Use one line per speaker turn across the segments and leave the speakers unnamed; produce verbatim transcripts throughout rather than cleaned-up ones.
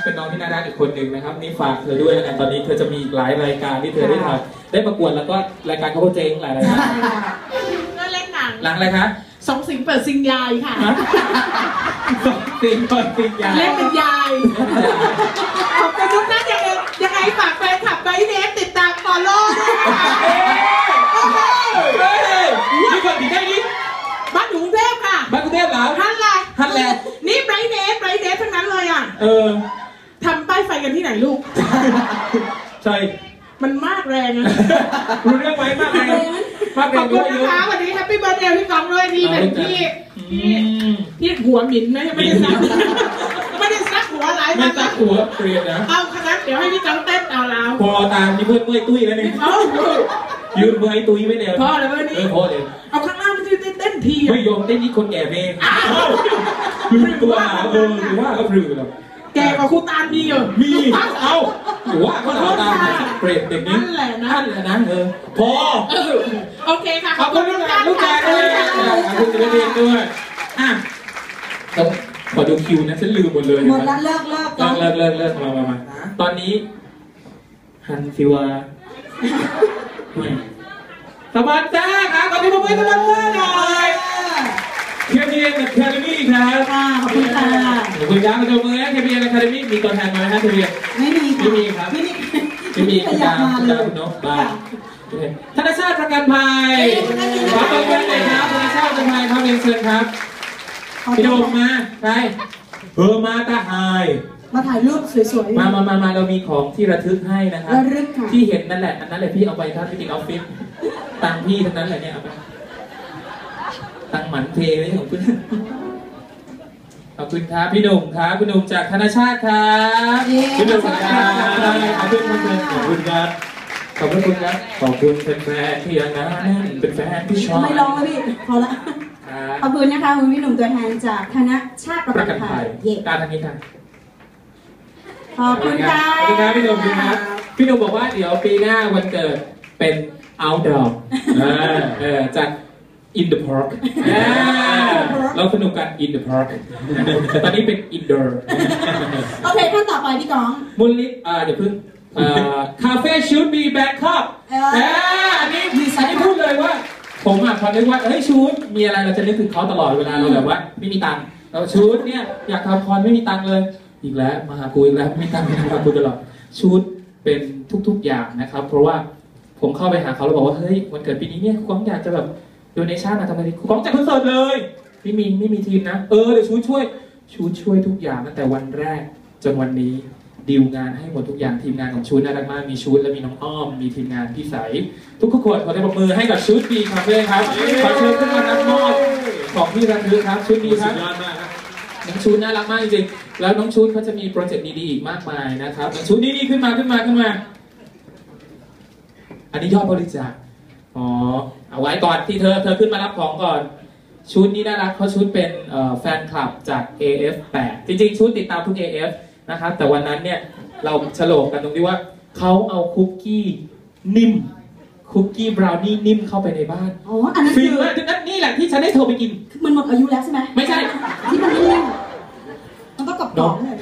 เป็นน้องที่น่ารักอีกคนหนึ่งนะครับนี่ฝากเธอด้วยนะตอนนี้เธอจะมีหลายรายการที่เธอได้ทำได้ประกวดแล้วก็รายการเขาเจ๊งหลายรายการ
ก็เล่นหนัง
หลังอะไรคะ
สองสิงเปิดซิงยายค่ะ
สองสิงเปิดซิงยาย
เล่นเป็นยายขอบคุณทุกท่านยังไงยังไงฝากแฟนคลับไบเนสติดตามฟอลโล่ด้วยนะคะ
เฮ้ยนี่คนที่ไหนนี่
บ้านกรุงเทพค่ะ
บ้านกรุงเทพเหรอ
ฮันแหละ
ฮันแหละ
นี่ไบเนสไบเนสทั้งนั้นเลยอ่ะ
เออ
ทำป้ายไฟกันที่ไหนลูก
ใช่
มันมากแรงนะ
รู้เรื่องไหมมากแรงมากแรง
ขอบคุณนะคะวันนี้แฮปปี้เบิร์ธเดย์พี่กองด้วยที่เป็นที่ที่ที่หัวหมิ่นไม่ไม่ได้ซักไม่ได้ซักหัวหลาย
ไม่ซักหัวเปลี่ยนนะ
เอาขนาดเดี๋ยวให้พี่กองเต้นเอาแล้ว
พอตามนี่เพื่อนเมื่อยตุ้ยแล้วนี่ยืนเมื่อยตุ้ยไม่เดียว
พอเลยวันนี้
พอเลย
เอาข้างล่างไม่ได้เต้นที
ไม่ยอมเต้นนี่คนแก่เพลงคือตัวหาเออหรือว่าก็พลือแล้ว
แกกับครูตาลมีเหรอ
มีเอาหรือว่าก็เราตามเปรตเด็กนี้
นั่นแหละนะ
นั่นแหละนะเออพอ
โอเคค่ะ
ขอบคุณลูกแก่ลูกแก่ด้วยขอบคุณศิลปินด้วยอ่ะต้องขอดูคิวนะฉันลืมหมดเลย
หมดแล้วเลิกเลิก
เลิกเลิกเลิกเลิกมามามาตอนนี้ฮันฟิวาสปอนเซอร์ครับขอบคุณสปอนเซอร์หน่อยเค พี เอ็น Academy ครับ
ขอบคุณค่ะ
ขอบคุณครับมาดูมือนะ เค พี เอ็น Academy มีตัวแทนมาไหมครับ เค พี เอ็น
ไม่มี
ไม่มีครับ
ไม่มี
ไม่มีคุณดาวคุณดาวคุณนกบ้านธนชาติประกันภัยขอขอบคุณเลยครับธนชาติประกันภัยครับเรียนเชิญครับพี่โดมมาใครเออมาตาหาย
มาถ่ายรูปสวย
ๆมามามามาเรามีของที่ระทึกให้นะครับ
ระลึกค่ะ
ที่เห็นนั่นแหละอันนั้นแหละพี่เอาไปครับที่ติดออฟฟิศตังพี่ทั้งนั้นเลยเนี่ยเอาไปตังหมันเทไว้ของคุณขอบคุณครับพี่หนุ่มครับพี่หนุ่มจากธนชาติครับพี่หนุ่มครับขอบคุณครับขอบคุณครับขอบคุณครับขอบคุณเป็นแฟนที่ยังนั้นเป็นแฟนที่ชอบ
ไม่ร้องแล้วพี่พอละขอบคุณนะคะคุณพี่หนุ่มตัวแทนจากธนชาติประกันภัย
การทางนี้ครับ
ขอบคุณค่ะ
ขอบคุณครับพี่หนุ่มครับพี่หนุ่มบอกว่าเดี๋ยวปีหน้าวันเกิดเป็น outdoor เออจาก in the park เราสนุกกัน in the park ตอนนี้เป็น indoor
โอเคขั้นต่อไปพี่ก้อง
มูลนิธิเดี๋ยวพึ่งคาเฟ่ชูดบีแบงคอกอันนี้อันนี้พูดเลยว่าผมอ่ะพอนึกว่าเฮ้ยชูดมีอะไรเราจะนึกถึงเขาตลอดเวลาเราแบบว่าไม่มีตังค์เราชูดเนี่ยอยากทำคอนไม่มีตังค์เลยอีกแล้วมาหากูอีกแล้วไม่มีตังค์ไม่ทำกูตลอดชูดเป็นทุกๆอย่างนะครับเพราะว่าผมเข้าไปหาเขาแล้วบอกว่าเฮ้ยวันเกิดปีนี้เนี่ยกูอยากจะแบบโดเนชั่นอะทำไมดิกูจัดคอนเสิร์ตเลยไม่มีไม่มีทีมนะเออเดี๋ยวชูช่วยชูช่วยทุกอย่างตั้งแต่วันแรกจนวันนี้ดีลงานให้หมดทุกอย่างทีมงานของชูน่ารักมากมีชูและมีน้องอ้อมมีทีมงานพี่ใสทุกทุกคนขอได้ปรบมือให้กับชูบีคาเฟ่ครับขอเชิญขึ้นมารับมอบของที่ระลึกครับชูบีครับน้องชูน่ารักมากจริงๆแล้วน้องชูเขาจะมีโปรเจกต์ดีๆอีกมากมายนะครับน้องชูนี่นี่ขึ้นมาขึ้นมาขึ้นมาอันนี้ยอดบริจาคอ๋อเอาไว้ก่อนที่เธอเธอขึ้นมารับของก่อนชุดนี้น่ารักเขาชุดเป็นแฟนคลับจาก เอ เอฟ แปด จริงๆชุดติดตามทุก เอ เอฟ นะครับแต่วันนั้นเนี่ยเราฉลองกันตรงที่ว่าเขาเอาคุกกี้นิ่มคุกกี้บราวนี่นิ่มเข้าไปในบ้าน
อ๋ออันนั้น
คือนั่นนี่แหละที่ฉันได้โทรไปกิน
มันหมดอายุแล้วใช่ไหม
ไม่ใช่
ที่มันนิ่มมันต้องกรอบๆเลย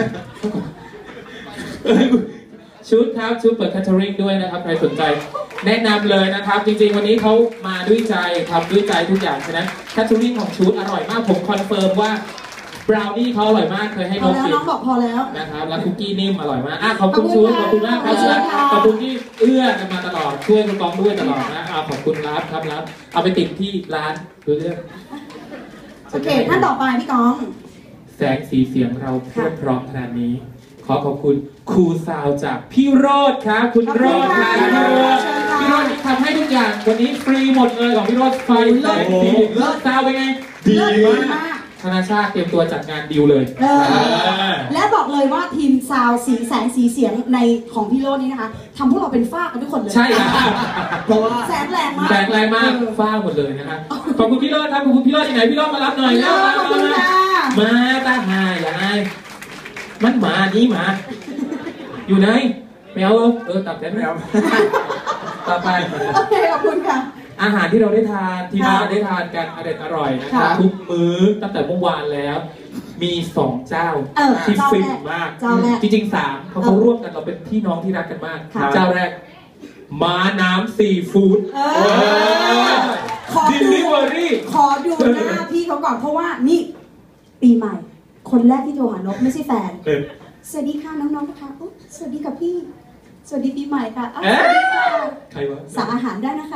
ชุดครับชุดเปิดแคทเทอริงด้วยนะครับใครสนใจแนะนำเลยนะครับจริงๆวันนี้เขามาด้วยใจทำด้วยใจทุกอย่างฉะนั้นแคทเทอริงของชุดอร่อยมากผมคอนเฟิร์มว่าบราวนี่เขาอร่อยมากเคยให้น้องกิน
น้องบอกพอแล้ว
นะครับแล้วคุกกี้นิ่มอร่อยมากอ่ะขอบคุณชุดขอบคุณมากครับขอบคุณที่เอื้อกันมาตลอดช่วยคุณกองด้วยตลอดนะขอบคุณรับครับรับเอาไปติดที่ร้านดูเรื่อง
โอเคท่านต่อไปพี่กอง
แสงสีเสียงเราเพียบพร้อมขนาดนี้ขอขอบคุณครูซาวจากพี่โรดครับคุณโรดครับพี่โรดที่ทำให้ทุกอย่างวันนี้ฟรีหมดเลยของพี่โรดไฟแสงสีเลิศซาวเป็นไงดีมากธนาชาติเตรียมตัวจัดงานดิวเลย
และบอกเลยว่าทีมซาวสีแสงสีเสียงในของพี่โรดนี้นะคะทำพวกเราเป็นฝ้ากันทุกคนเลย
ใช่ครับ
เพราะว่าแสงแรงมาก
แสงแรงมากฝ้าหมดเลยนะครับขอบคุณพี่โรดครับขอบคุณพี่โรดที่ไหนพี่โรดมารับหน่อยนะมาตาหายอย่างไรมันหมานี้หมาอยู่ไหนแมวเออตับแทนแมวต่อไป
โอเคขอบคุณค่ะ
อาหารที่เราได้ทานที่เราได้ทานกันอร่อยอร่อยนะครับทุกมื้อตั้งแต่เมื่อวานแล้วมีสองเจ้า
เออ
ที่
เจ้า
ฟิน
แรก
มาก
เจ้าแรก
จริงๆสามเขาเขาร่วมกันเราเป็นพี่น้องที่รักกันมาก
ค่ะ
เจ้าแรกม้าน้ำซีฟู้ด
เออขอ
ดิ
ดู
ลิเวอรี่
ขอดูหน้าพี่เขาก่อนเพราะว่านี่ปีใหม่ คนแรกที่โทรหานกไม่ใช่แฟน สวัสดีค่ะน้องๆนะคะอุ๊ยสวัสดีค่ะพี่ สวัสดีปีใหม่ค่ะอ้าวสวัสดีค่ะ
ใครวะ
สั่งอาหารได้นะคะ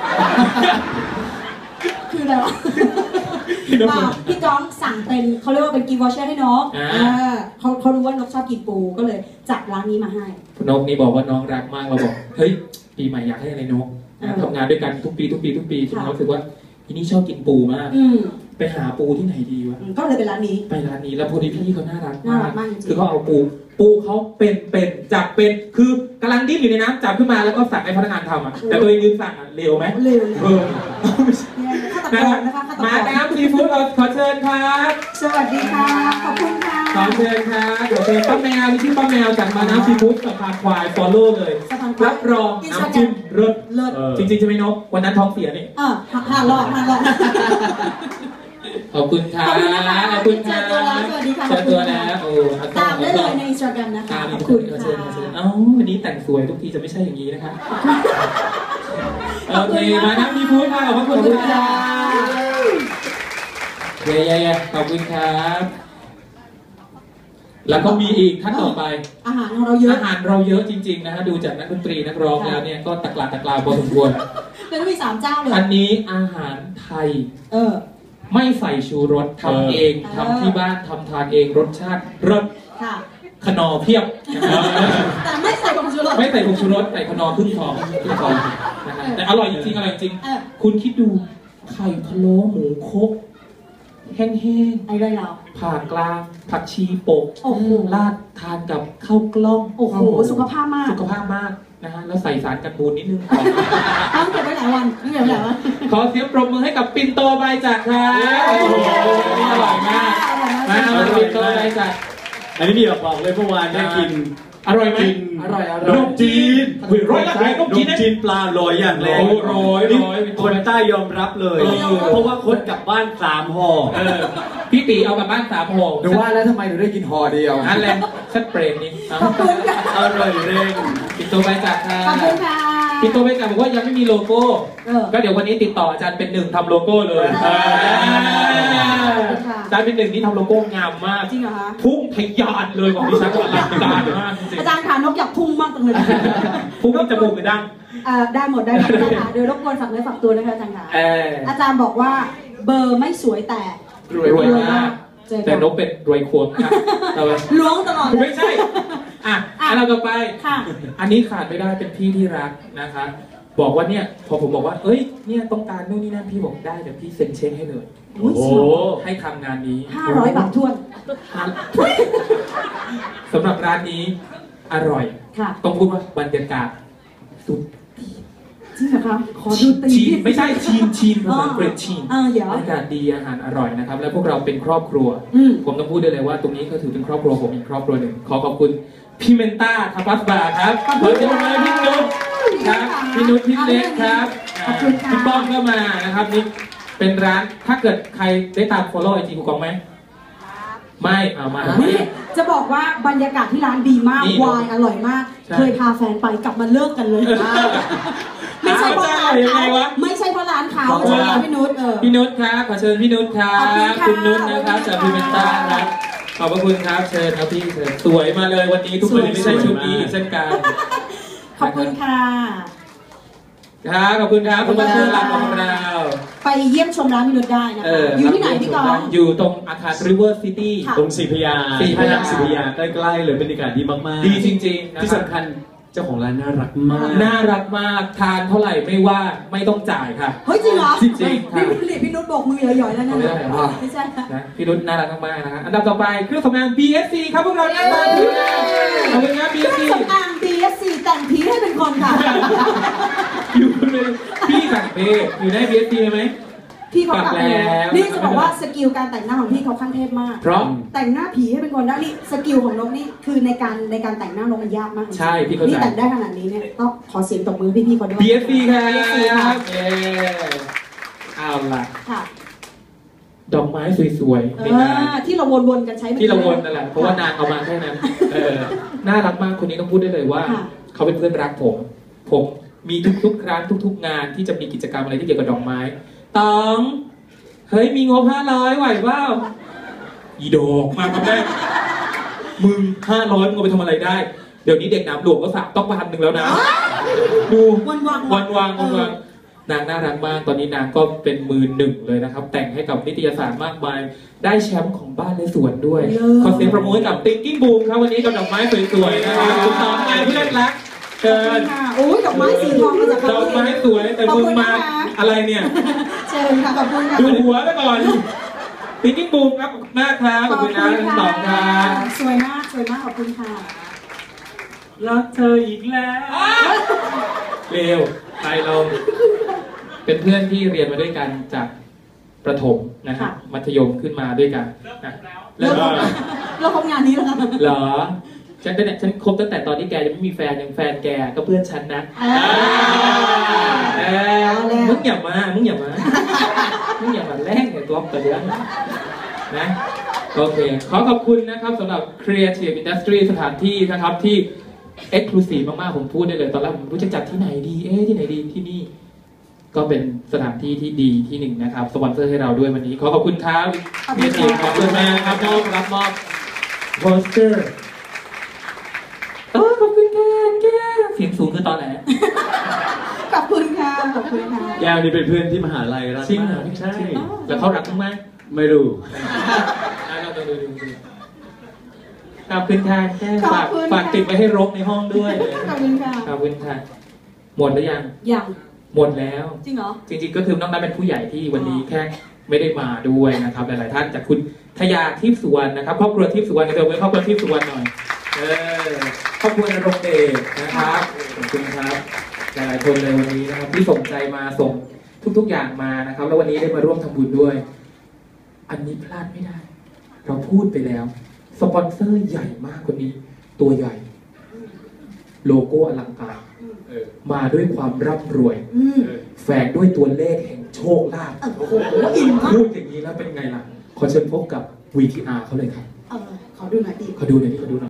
คืออะไรวะ
พี่นก
เปล่าพี่ก้องสั่งเป็นเขาเรียกว่าเป็นกิฟต์วอเชอร์ให้น้อง
อ่า
เออเขาเขารู้ว่านกชอบกินปูก็เลยจัดร้านนี้มาให้
นกนี่บอกว่าน้องรักมากเราบอกเฮ้ยปีใหม่อยากให้อะไรนก
เออ
ทำงานด้วยกันทุกปีทุกปีทุกปีจน
ค่ะ
เรารู้สึกว่าทีนี่ชอบกินปูมาก
อืม
ไปหาปูที่ไหนดีวะ
อืมก็เลยเป็นร้านนี้
ไปร้านนี้แล้วพอดีพี่เขาน่ารัก
น่ารักมากจริงๆ
คือเขาเอาปูปูเขาเป็นเป็นจับเป็นคือกำลังดิ้นอยู่ในน้ำจับขึ้นมาแล้วก็สั่งให้พนักงานทำอ่ะแต่ตัวเองยืนสั่งอ่ะเร็วไหม
เร็วเลย
เออ
เนี่ยฆาตกรนะคะฆาตกร
มาน้ำซีฟู้ดเราขอเชิญครับ
สวัสดีค่ะ ขอบคุณค่ะ
ขอเชิญครับขอเชิญป้าแมวนี่ชื่อป้าแมวจากมาน้ำซีฟู้ดสะพานควายฟอลโล่เลย
สะพานควาย
รับรองน้ำจิ้มเลิศ
เลิศ
เออจริงๆจะไม่นกวันนั้นท้องเสียนี่
เออหาหาหลอกหาหลอก
ขอบคุณครับ
ขอบคุณนะคะ
ขอบคุณครั
เจอตัวแล้วสวัสดีค่ะ
เจอตัวแล้วโอ้
ตามได้เลยในอินสตาแกรมนะคะ
ตาม
ข
ข
อ
อ
บบ คุ
คุณ ณ
ค่ะ
เชิญเชิญเอ้าวันนี้แต่งสวยทุกทีจะไม่ใช่อย่างนี้นะคะโอเคมาน้ำซีฟู้ดค่ะขอบคุณค่ะเย้เย้เย้ขอบคุณครับ แล้วก็มีอีกท่านต่อไป
อาหารของเราเยอะ
อาหารเราเยอะจริงๆนะฮะดูจากนักดนตรีนักร้องแล้วเนี่ยก็ตะกลาตะกลาพอสมควร
แล้วก็มีสามเจ้าเลย
อันนี้อาหารไทย
เออ
ไม่ใส่ชูรสทำเอง
เออ
ทำที่บ้านทำทานเองรสชาติรส
ค่ะ
ขนอเพียบนะครับ
แต่ไม่ใส่ผงชูรส
ไม่ใส่ผงชูรสใส่ขนอครึ่งฟองครึ่งฟองนะฮะแต่อร่อยจริงๆอร่อยจริง
เออ
คุณคิดดูไข่พะโล้หมูคกแห้ง
ไอ้เลยเรา
ๆผ่ากลางผักชีโปก
โอ้โห
ราดทานกับข้าวกล้อง
โอ้โหสุขภาพมาก
สุขภาาพมากนะฮะแล้วใส่สารกันบูดนิดนึง
ต้องเก็บไว้หลายวันต้องเก็บไว้หลายวัน
ขอเสียงปรบมือให้กับปินโตใบจากครับโอ้โหอร่อยมากมามาปินโตใบจาก
อันนี้มีอยากบอกเลยเมื่อวานได้กิน
อร่อยไหม
กิน
อร่อยอ
น
ร่อย
มจีน
อุ้ยร้อยละร้อยนม
น
จีน
ม
นะ
จีนปลาลอยอย่างแรง
โอ้โหร้อย
นี่
ร้อย
คนใต้ยอมรับเลย
เออ
เพราะว่าคนกลับบ้านสามห่อ
เออพี่ตีเอากลับบ้านสามห่อ
หนูว่าแล้วทำไมหนูได้กินห่อเดียว
นั่นแหละชัดเปรมนี่
ขอบคุณค่ะ
อร่อยเร่ง
ปินโตใบจากครั
ขอบคุณค่ะ
ปินโตใบจากบอกว่ายังไม่มีโลโก้
เออ
ก็เดี๋ยววันนี้ติดต่ออาจารย์เป็นหนึ่งทำโลโก้เลย
เออ
อาจารย์เป็นหนึ่งนี่ทำโลโก้งามมาก
จริงเหรอคะ
พุ่งทะยานเลยของดิฉันว่าอลังการมากจริง
อาจารย์ขานกอยากพุ่งมากจังเลย
ๆพุ่งที่จมูกหรือดัง
เอ่อได้หมดได้หมดได้ค่ะโดยรบกวนฝากเนื้อฝากตัวนะคะอาจารย์ค่ะ
เออ
อาจารย์บอกว่าเบอร์ไม่สวยแต่
รวยรวยมาก
เจอ
แต่
กัน
นกเป็นรวยควงนะครับเอาไว้
ล้วงตลอดเลย
ไม่ใช่ อ่ะอันเราต่อไป
ค่ะ
อันนี้ขาดไม่ได้เป็นพี่ที่รักนะคะ บอกว่าเนี่ยพอผมบอกว่า เอ้ย เนี่ยต้องการนู่นนี่นั่นพี่บอกได้เดี๋ยวพี่เซ็นเช็คให้เลย
โอ้ย
โอ้
สวย
ให้ทำงานนี้
ห้าร้อยบาททวน
สำหรับร้านนี้อร่อย
ค่ะ
ต้องพูดว่าบรรยากาศสุด
จริงเหรอคะขอดูตี
ชีนไม่ใช่ชีนชีนภาษาอังกฤษชีน
อ่าเดี๋ยว
บรรยากาศดีอาหารอร่อยนะครับ และพวกเราเป็นครอบครัว
อืม
ผมต้องพูดได้เลยว่าตรงนี้ก็ถือเป็นครอบครัวผมอีกครอบครัวหนึ่งขอขอบคุณพี่เมนต้าทัพพัสบาร์ครับ
ขอบ
ข
คุ
อ
ณ
เชิญเลยพี่นุชครับพี่นุชพี่เล็กครับ
ขอบคุณค่ะ
พี่ป้องก็มานะครับนี่เป็นร้านถ้าเกิดใครได้ตาม follow ไอจีกูกองไหมไม่เอามา
นี่จะบอกว่าบรรยากาศที่ร้านดีมาก
นี่
วายอร่อยมาก
ใช่
เคยพาแฟนไปกลับมาเลิกกันเลย ไม่ใช่เพราะร้าน
ยังไง
เขา
วะ
ไม่ใช่เพราะร้านเขาใช่ไหมพี่นุชเออ
พี่นุชครับขอเชิญพี่นุชครับ
ขอบคุณค่ะ
คุณนุชนะครับจากพี่เมนต้าครับขอบพระคุณครับเชิญครับพี่เชิญสวยมาเลยวันนี้ทุกคนไม่ใช่ชุดนี้อีกเช่นกัน
ขอบคุณค่ะ
ครับขอบคุณครับคุณผู้ชมรักของเรา
ไปเยี่ยมชมร้านพี่นุชได้นะคะ
เออ
อยู่ที่ไหนพี่กอง
อยู่ตรงอาคาร River City
ค่ะ
ตรงสีพยา
ศรีพญา
สีพยาใกล้ๆเลยบรรยากาศดีมากๆ
ดีจริงๆนะ
ที่
ครับ
สำคัญเจ้าของร้านน่ารักมาก
น่ารักมากทานเท่าไหร่ไม่ว่าไม่ต้องจ่ายค่ะ
เฮ้ยจริงเหรอ
จริงๆค่ะ
พี่นุชพี่นุชโบกมือหย่อยๆแล้วนะ
ไม่ได้เหรอ
ไม่ใช่ค่ะ
นะพี่รุ่นน่ารักมากๆนะฮะอันดับต่อไปเครื่องสำอาง บี เอส ซี ครับพวกเราหน้าตาดีนะขอบคุณครับ บี
เค
เอส
รื่
ซี
องสำอาง บี เอส ซี แต่งผีให้เป็นคนค่ะ
อยู่เลยพี่สั่งเพย์อยู่ใน บี เอส ซี ไหม
พี่เขากลับ
กลับแล้ว
นี่จะบอกว่าสกิลการแต่งหน้าของพี่เขาขั้นเทพมาก
เพราะ
แต่งหน้าผีให้เป็นคนได้นี่สกิลของนกนี่คือในการในการแต่งหน้านกมันยากมาก
ใช่พี่เข้าใจ
นี่แต่งได้ขนาดนี้เนี่ยต้องขอเสียงตบมือพี่ๆเขาด้วย
บี เอส ซี ครับ
บี เอส ซี ค่ะ
เย้เอาล่ะ
ค่ะ
ดอกไม้สวยๆ
เอ
ในงาน
อที่เราวนๆกันใช้มื่อกี้
ที่เราวนนั่นแหละเพราะว่านางเอามาแค่นั้นเออน่ารักมากคนนี้ต้องพูดได้เลยว่า
ค่ะ
เขาเป็นเพื่อนรักผม ผมมีทุกๆครั้งทุกๆงานที่จะมีกิจกรรมอะไรที่เกี่ยวกับดอกไม้ตองเฮ้ยมีงบห้าร้อยไหวเปล่าอีดอกมาครับแม่มึงห้าร้อยมึงเอาไปทำอะไรได้เดี๋ยวนี้เด็กน้ำหลวงก็สั่งต้องพันหนึ่งแล้วนะดู
วันวาง
วันวางวันวางนางน่ารักมากตอนนี้นางก็เป็นมือหนึ่งเลยนะครับ แต่งให้กับนิตยสารมากมายได้แชมป์ของบ้านและสวนด้วยขอเสียงประมือให้กับ Thinking Boom ครับวันนี้กับดอกไม้สวยๆนะครับคุณน้องไงเพื่อนรักเชิญ
ค่ะโอ้ยดอกไม้สีทองมาจาก
ดอกไม้สวยแต่มึงมาอะไรเนี่ย
เชิญค่ะขอบคุณค่ะ
ดูหัวไปก่อน Thinking Boom ครับขอบคุณมากครับขอบคุณนะทั้งสองครับ
สวยมากสวยมากขอบคุณค่ะ
รักเธออีกแล้วเร็วไปเราเป็นเพื่อนที่เรียนมาด้วยกันจากประถมนะฮะมัธยมขึ้นมาด้วยกันนะ
เลิกเราคบงานนี้แล้วค่ะ
เหรอฉันเป็นฉันคบตั้งแต่ตอนที่แกยังไม่มีแฟนยังแฟนแกก็เพื่อนฉันนะเออมึงอย่ามามึงอย่ามามึงอย่ามาแลกเนี่ยกล็อกตัวเดียวนะโอเคขอขอบคุณนะครับสำหรับ Creative Industry สถานที่นะครับที่ Exclusive มากๆผมพูดได้เลยตอนแรกผมรู้จะจัดที่ไหนดีเอ๊ะที่ไหนดีที่นี่ก็เป็นสถานที่ที่ดีที่หนึ่งนะครับสปอนเซอร์ให้เราด้วยวันนี้ขอขอบคุณครับ Creative ขอบคุณมากครับมอบรับมอบโปสเตอร์เออขอบคุณค่ะแกเสียงสูงคือตอนไหน
ขอบคุณค่ะขอบคุณค่ะ
แก้วนี่เป็นเพื่อนที่มหาลัยรัก
จริงเหร
มา
อก
ใช่
แล้วเขารักมึงไหม
ไม่รู้
เราดูดูดูดูขอบคุณค่ะแกฝากฝากติดไปให้รกในห้องด้วย
ขอบคุณค่ะ
ขอบคุณค่ะหมดหรือยัง
อย่าง
หมดแล้ว
จริงเหรอ
จริงๆก็คือนอกนั้นเป็นผู้ใหญ่ที่วันนี้แค่ไม่ได้มาด้วยนะครับหลายๆท่านจากคุณทยาทิพย์สุวรรณนะครับครอบครัวทิพย์สุวรรณเดี๋ยวไปครอบครัวทิพย์สุวรรณหน่อยเออครอบครัวนรงค์เดชนะครับขอบคุณครับหลายๆคนเลยวันนี้นะครับที่ส่งใจมาส่งทุกๆอย่างมานะครับแล้ววันนี้ได้มาร่วมทำบุญด้วย อันนี้พลาดไม่ได้ เราพูดไปแล้วสปอนเซอร์ใหญ่มากคนนี้ตัวใหญ่ โลโก้อลังการเออมาด้วยความร่ำรวย
อืม
แฝงด้วยตัวเลขแห่งโชคลาภ
โอ้โหอินมาก
พูดอย่างนี้แล้วเป็นไงล่ะ ขอเชิญพบกับ วี ที อาร์ เขาเลยครับ
เออขอดูหน่อยดิ
ขอดูหน่อยดิขอดูหน่อย